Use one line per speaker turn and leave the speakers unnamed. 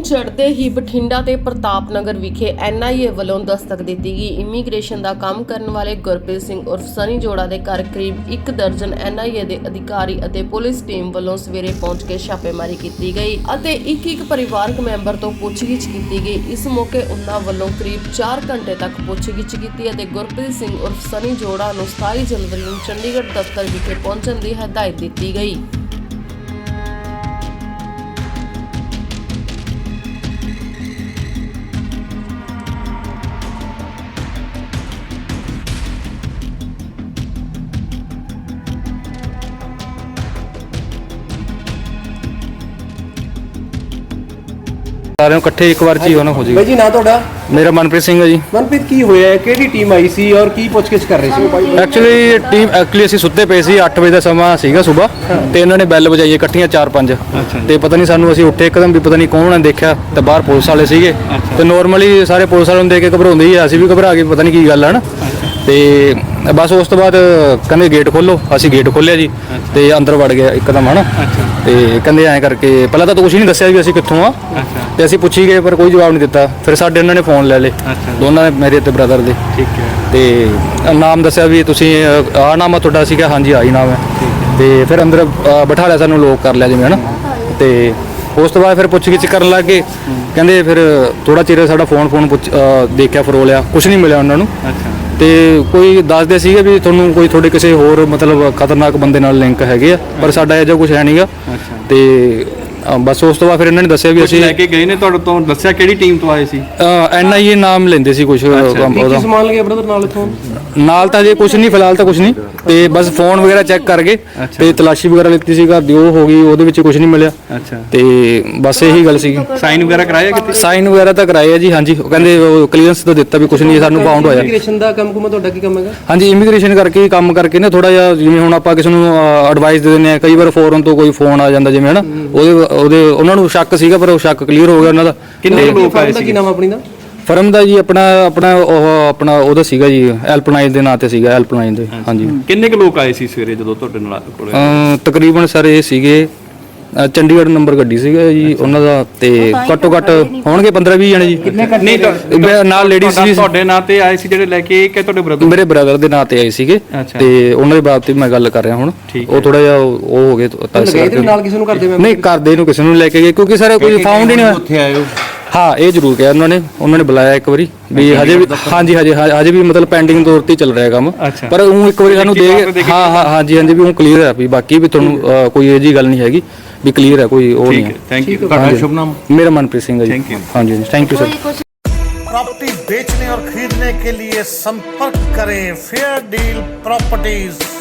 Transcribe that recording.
ਚੜ੍ਹਦੇ ਹੀ ਬਠਿੰਡਾ ਤੇ ਪ੍ਰਤਾਪ ਨਗਰ ਵਿਖੇ NIA ਵੱਲੋਂ ਦਸਤਕ ਦਿੱਤੀ ਗਈ। ਇਮੀਗ੍ਰੇਸ਼ਨ ਦਾ ਕੰਮ ਕਰਨ ਵਾਲੇ ਗੁਰਪ੍ਰੀਤ ਸਿੰਘ ਉਰਫ ਸਨੀ ਜੋੜਾ ਦੇ ਘਰ ਕਰੀਬ 1 ਦਰਜਨ NIA ਦੇ ਅਧਿਕਾਰੀ ਅਤੇ ਪੁਲਿਸ ਟੀਮ ਵੱਲੋਂ ਸਵੇਰੇ ਪਹੁੰਚ ਕੇ ਛਾਪੇਮਾਰੀ ਕੀਤੀ ਗਈ ਅਤੇ ਇੱਕ ਪਰਿਵਾਰਕ ਮੈਂਬਰ ਤੋਂ ਪੁੱਛਗਿੱਛ ਕੀਤੀ ਗਈ। ਇਸ ਮੌਕੇ ਉਨ੍ਹਾਂ ਵੱਲੋਂ ਕਰੀਬ 4 ਘੰਟੇ ਤੱਕ ਪੁੱਛਗਿੱਛ ਕੀਤੀ ਅਤੇ ਗੁਰਪ੍ਰੀਤ ਸਿੰਘ ਉਰਫ ਸਨੀ ਜੋੜਾ ਨੂੰ 27 ਜਨਵਰੀ ਨੂੰ ਚੰਡੀਗੜ੍ਹ ਦਫ਼ਤਰ ਵਿਖੇ ਪਹੁੰਚਣ ਦੀ ਹਦਾਇਤ ਦਿੱਤੀ ਗਈ।
सारे इकट्ठे एक बार ची होना हो जाएगा।
भाई जी ना ਤੁਹਾਡਾ?
मेरा मनप्रीत सिंह है जी।
ਮਨਪ੍ਰੀਤ ਕੀ ਹੋਇਆ ਹੈ? ਕਿਹੜੀ ਟੀਮ ਆਈ ਸੀ ਔਰ ਕੀ ਪੁੱਛਗਿੱਛ ਕਰ ਰਹੀ ਸੀ?
ਐਕਚੁਅਲੀ ਅਸੀਂ ਸੁੱਤੇ ਪਏ ਸੀ 8 ਵਜੇ ਦਾ ਸਮਾਂ ਸੀਗਾ ਸਵੇਰ ਤੇ ਇਹਨਾਂ ਨੇ ਬੈਲ ਵਜਾਈ ਇਕੱਠੀਆਂ 4-5 ਤੇ ਪਤਾ ਨਹੀਂ ਸਾਨੂੰ ਅਸੀਂ ਉੱਠੇ ਇੱਕਦਮ ਵੀ ਪਤਾ ਨਹੀਂ ਕੌਣ ਨੇ ਦੇਖਿਆ ਤੇ ਬਾਹਰ ਪੁਲਿਸ ਵਾਲੇ ਸੀਗੇ ਤੇ ਨੋਰਮਲੀ ਸਾਰੇ ਪੁਲਿਸ ਵਾਲਿਆਂ ਨੂੰ ਦੇਖ ਕੇ ਘਬਰਾਉਂਦੇ ਹੀ ਅਸੀਂ ਵੀ ਘਬਰਾ ਗਏ ਪਤਾ ਨਹੀਂ ਕੀ ਗੱਲ ਹੈ ਨਾ ਤੇ ਬਸ ਉਸ ਤੋਂ ਬਾਅਦ ਕਹਿੰਦੇ ਗੇਟ ਖੋਲੋ। ਅਸੀਂ ਗੇਟ ਖੋਲਿਆ ਜੀ ਤੇ ਅੰਦਰ ਵੜ ਗਿਆ ਇੱਕਦਮ ਹਨਾ ਤੇ ਕਹਿੰਦੇ ਐਂ ਕਰਕੇ ਪਹਿਲਾਂ ਤਾਂ ਕੁਝ ਨਹੀਂ ਦੱਸਿਆ ਵੀ ਅਸੀਂ ਕਿੱਥੋਂ ਆ ਤੇ ਅਸੀਂ ਪੁੱਛੀ ਗਏ ਪਰ ਕੋਈ ਜਵਾਬ ਨਹੀਂ ਦਿੱਤਾ। ਫਿਰ ਸਾਡੇ ਉਹਨਾਂ ਨੇ ਫੋਨ ਲੈ ਲਏ ਦੋਨਾਂ ਦੇ ਮੇਰੇ ਤੇ ਬ੍ਰਦਰ ਦੇ।
ਠੀਕ ਹੈ
ਤੇ ਨਾਮ ਦੱਸਿਆ ਵੀ ਤੁਸੀਂ ਆਹ ਨਾਮ ਆ ਤੁਹਾਡਾ? ਸੀਗਾ ਹਾਂਜੀ ਆਹੀ ਨਾਮ ਹੈ। ਤੇ ਫਿਰ ਅੰਦਰ ਬਿਠਾ ਲਿਆ ਸਾਨੂੰ ਲੋਕ ਕਰ ਲਿਆ ਜਿਵੇਂ ਹਨਾ ਤੇ ਉਸ ਤੋਂ ਬਾਅਦ ਫਿਰ ਪੁੱਛਗਿੱਛ ਕਰਨ ਲੱਗ ਗਏ। ਕਹਿੰਦੇ ਫਿਰ ਥੋੜਾ ਚਿਰ ਸਾਡਾ ਫੋਨ ਦੇਖਿਆ ਫਰੋਲਿਆ ਕੁਝ ਨਹੀਂ ਮਿਲਿਆ ਉਹਨਾਂ ਨੂੰ ਤੇ ਕੋਈ ਦੱਸਦੇ ਸੀਗੇ ਵੀ ਤੁਹਾਨੂੰ ਕੋਈ ਤੁਹਾਡੇ ਕਿਸੇ ਹੋਰ ਮਤਲਬ ਖਤਰਨਾਕ ਬੰਦੇ ਨਾਲ ਲਿੰਕ ਹੈਗੇ ਆ ਪਰ ਸਾਡਾ ਇਹੋ ਜਿਹਾ ਕੁਝ ਹੈ ਨਹੀਂਗਾ। ਤੇ ਬਸ ਉਸ ਤੋਂ ਬਾਅਦ ਫਿਰ ਇਹਨਾਂ ਨੇ ਦੱਸਿਆ ਵੀ ਅਸੀਂ
ਲੈ ਕੇ ਗਏ ਨੇ ਤੁਹਾਡੇ ਤੋਂ ਦੱਸਿਆ ਕਿਹੜੀ ਟੀਮ ਤੋਂ ਆਏ ਸੀ?
NIA ਨਾਮ ਲੈਂਦੇ ਸੀ ਕੁਝ
ਕੀ ਸਮਾਨ ਲਗਿਆ ਬ੍ਰਦਰ ਨਾਲ ਇਥੋਂ?
ਨਾਲ ਤਾਂ ਜੇ ਕੁਝ ਨਹੀਂ ਫਿਲਹਾਲ ਤਾਂ ਕੁਝ ਨਹੀਂ ਤੇ ਬਸ ਫੋਨ ਵਗੈਰਾ ਚੈੱਕ ਕਰ ਗਏ ਤੇ ਤਲਾਸ਼ੀ ਵਗੈਰਾ ਲਿੱਤੀ ਸੀ ਘਰ ਦੀ ਉਹ ਹੋ ਗਈ ਉਹਦੇ ਵਿੱਚ ਕੁਝ ਨਹੀਂ ਮਿਲਿਆ ਤੇ ਬਸ ਇਹੀ ਗੱਲ ਸੀ।
ਸਾਈਨ ਵਗੈਰਾ ਕਰਾਇਆ ਕਿਤੇ?
ਸਾਈਨ ਵਗੈਰਾ ਤਾਂ ਕਰਾਏ ਆ ਜੀ। ਹਾਂਜੀ ਉਹ ਕਹਿੰਦੇ ਕਲੀਅਰੈਂਸ ਤਾਂ ਦਿੱਤਾ ਵੀ ਕੁਝ ਨਹੀਂ ਸਾਨੂੰ ਬਾਉਂਡ ਹੋਇਆ।
ਇਮੀਗ੍ਰੇਸ਼ਨ ਦਾ ਕੰਮ ਕੁਮਾ ਤੁਹਾਡਾ ਕੀ ਕੰਮ ਹੈਗਾ?
ਹਾਂਜੀ ਇਮੀਗ੍ਰੇਸ਼ਨ ਕਰਕੇ ਕੰਮ ਕਰਕੇ ਨਾ ਥੋੜਾ ਜਿਹਾ ਜਿਵੇਂ ਹੁਣ ਆਪਾਂ ਕਿਸੇ ਨੂੰ ਐਡਵਾਈਸ ਦੇ ਦਿੰਦੇ ਆ ਕਈ ਵਾਰ ਫੋਰਨ ਤੋਂ ਕੋਈ ਫੋਨ ਆ ਜਾਂਦਾ ਜਿਵੇਂ ਹਨਾ ਉਹਦੇ ਉਹਨਾਂ ਨੂੰ ਸ਼ੱਕ ਸੀਗਾ ਪਰ ਉਹ ਸ਼ੱਕ ਕਲੀਅਰ ਹੋ ਗਿਆ ਉਹਨਾਂ ਦਾ।
ਕਿੰਨੇ ਲੋਕ ਆਏ ਸੀ?
ਕੀ ਨਾਮ ਆਪਣੀ ਦਾ?
ਫਰਮ ਦਾ ਜੀ ਆਪਣਾ ਉਹਦਾ ਸੀਗਾ ਜੀ ਹੈਲਪਲਾਈਨ ਦੇ ਨਾਂ ਤੇ ਸੀਗਾ ਹੈਲਪਲਾਈਨ ਦੇ। ਹਾਂਜੀ
ਕਿੰਨੇ ਕੁ ਲੋਕ ਆਏ ਸੀ ਸਵੇਰੇ ਜਦੋਂ ਤੁਹਾਡੇ ਨਾਲ ਕੋਲੇ?
ਤਕਰੀਬਨ ਸਰ ਇਹ ਸੀਗੇ ਚੰਡੀਗੜ੍ਹ ਨੰਬਰ ਗੱਡੀ ਸੀਗਾ ਜੀ ਉਹਨਾਂ ਦਾ ਤੇ ਘੱਟੋ ਘੱਟ ਹੋਣਗੇ 15-20 ਜਣੇ ਜੀ।
ਨਹੀਂ
ਨਾਲ ਲੇਡੀਜ਼ ਵੀ
ਤੁਹਾਡੇ ਨਾਂ ਤੇ ਆਏ ਸੀ ਜਿਹੜੇ ਲੈ ਕੇ ਕਿ ਤੁਹਾਡੇ ਬ੍ਰਦਰ?
ਮੇਰੇ ਬ੍ਰਦਰ ਦੇ ਨਾਂ ਤੇ ਆਏ ਸੀਗੇ ਤੇ ਉਹਨਾਂ ਦੇ ਬਾਬਤ ਮੈਂ ਗੱਲ ਕਰ ਰਿਹਾ ਹੁਣ। ਉਹ ਥੋੜਾ ਜਿਹਾ ਉਹ ਹੋ ਗਏ
ਨਾਲ ਕਿਸੇ ਨੂੰ ਕਰਦੇ
ਨਹੀਂ ਕਰਦੇ ਨੂੰ ਕਿਸੇ ਨੂੰ ਲੈ ਕੇ ਗਏ ਕਿਉਂਕਿ ਸਰ ਕੋਈ ਫਾਊਂਡ ਹੀ ਨਹੀਂ
ਉੱਥੇ ਆਏ ਹੋ?
ਹਾਂ ਇਹ ਜ਼ਰੂਰ ਕਿਹਾ ਉਹਨਾਂ ਨੇ ਬੁਲਾਇਆ ਇੱਕ ਵਾਰੀ ਵੀ ਹਜੇ ਵੀ ਹਾਂਜੀ ਹਜੇ ਵੀ ਮਤਲਬ ਪੈਂਡਿੰਗ ਤੌਰ ਤੇ ਚੱਲ ਰਿਹਾ ਕੰਮ ਪਰ ਉਹ ਇੱਕ ਵਾਰੀ ਸਾਨੂੰ ਦੇ ਹਾਂਜੀ ਵੀ ਉਹ ਕਲੀਅਰ ਹੈ ਵੀ ਬਾਕੀ ਵੀ ਤੁਹਾਨੂੰ ਕੋਈ ਇਹ ਜੀ ਗੱਲ ਨਹੀਂ ਹੈਗੀ ਵੀ ਕਲੀਅਰ ਹੈ ਕੋਈ ਉਹ ਨਹੀਂ ਹੈ।
Thank you. ਤੁਹਾਡਾ ਸ਼ੁਭ ਨਾਮ?
ਮੇਰਾ मनप्रीत सिंह है जी। हाँ जी थैंक यू सर।
प्रॉपर्टी बेचने और खरीदने के लिए संपर्क करें फेयर डील प्रॉपर्टीज।